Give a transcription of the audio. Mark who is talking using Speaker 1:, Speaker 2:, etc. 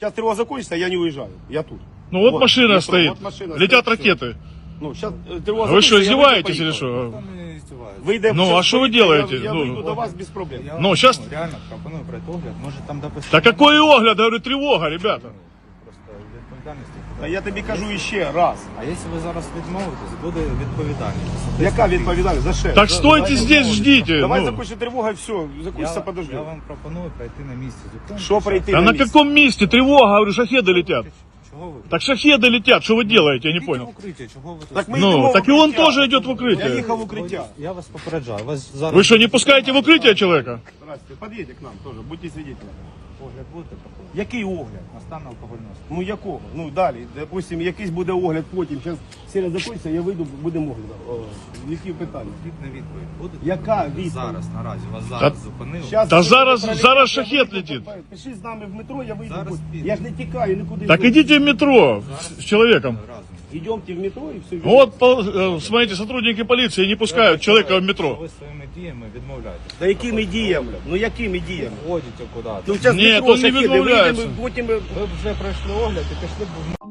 Speaker 1: Сейчас тревога закончится, я не уезжаю. Я тут.
Speaker 2: Ну вот
Speaker 1: Вот,
Speaker 2: машина
Speaker 1: метро,
Speaker 2: стоит,
Speaker 1: вот машина
Speaker 2: летят
Speaker 1: стоит, всё.
Speaker 2: ракеты.
Speaker 1: Ну, сейчас тревога
Speaker 2: Вы что,
Speaker 1: закончится, я выйду,
Speaker 2: издеваетесь или
Speaker 1: поеду.
Speaker 2: что?
Speaker 1: Выйдем,
Speaker 2: Ну,
Speaker 1: сейчас
Speaker 2: а что вы
Speaker 1: выйду,
Speaker 2: делаете?
Speaker 1: Я
Speaker 2: Ну.
Speaker 1: выйду до вас без проблем.
Speaker 3: Я
Speaker 2: Ну,
Speaker 3: вам,
Speaker 2: щас-
Speaker 3: реально пропоную пройти огляд, може там допустимо.
Speaker 2: Да какой огляд, говорю, тревога, ребята.
Speaker 3: Просто відповідальності.
Speaker 1: Та я тобі кажу іще раз.
Speaker 3: А якщо ви зараз відмовитесь, буде відповідальність.
Speaker 1: Яка відповідальність? За що?
Speaker 2: Так
Speaker 1: За-
Speaker 2: стойте
Speaker 1: за-
Speaker 2: здесь, ждите.
Speaker 1: Давай
Speaker 2: ну.
Speaker 1: закончится тревога и все. Закончится, подожди.
Speaker 3: Я вам пропоную пройти на місці. Зупинку.
Speaker 1: Что пройти
Speaker 2: А на
Speaker 1: месте?
Speaker 2: каком месте? Тревога, говорю, шахеды летят.
Speaker 3: Чого ви?
Speaker 2: Так шахеды летят, что вы делаете, я не
Speaker 3: Ідіть
Speaker 2: понял.
Speaker 3: в укриття, чого ви тут?
Speaker 1: Так мы
Speaker 2: Ну,
Speaker 1: идем в
Speaker 2: так и он
Speaker 1: укрытие.
Speaker 2: тоже идет в
Speaker 1: Я
Speaker 2: укрытие.
Speaker 1: ехал в укрытие.
Speaker 3: Я вас попереджаю. Вас зараз...
Speaker 2: Вы что, не пускаете в укрытие человека?
Speaker 1: Здрасте, подъедьте к нам тоже, будьте свидетелями.
Speaker 3: Огляд будете проходити?
Speaker 1: Який огляд?
Speaker 3: На стан алкогольного сп'яніння.
Speaker 1: Ну якого? Ну далі, допустим, якийсь буде огляд потім. Зараз серія закінчиться, я вийду, будемо огляд. Які питання?
Speaker 3: Відповідь відповідь буде?
Speaker 1: Яка відповідь?
Speaker 3: Зараз, наразі. Вас зараз зупинили.
Speaker 1: Щас
Speaker 2: Та
Speaker 1: ви
Speaker 2: зараз-
Speaker 1: пролетите,
Speaker 2: зараз
Speaker 1: я
Speaker 2: шахет
Speaker 1: вийду,
Speaker 2: летить.
Speaker 1: Пиши з нами в метро, я вийду.
Speaker 3: Зараз піду.
Speaker 1: Я ж не тікаю нікуди.
Speaker 2: Так идите в метро с человеком.
Speaker 3: Разом.
Speaker 1: Йдемте в метро і все.
Speaker 2: Вот, смотрите, сотрудники полиции не пускают человека в метро.
Speaker 3: Ви своїми діями відмовляєтесь.
Speaker 1: Та якими діями? Ну якими діями?
Speaker 3: Ходите куди-то.
Speaker 1: Ну зараз
Speaker 2: Ні,
Speaker 1: метро
Speaker 2: то не
Speaker 1: шахеди,
Speaker 2: відмовляються.
Speaker 1: вийдемо, потім...
Speaker 3: Ви вже пройшли огляд і пішли б в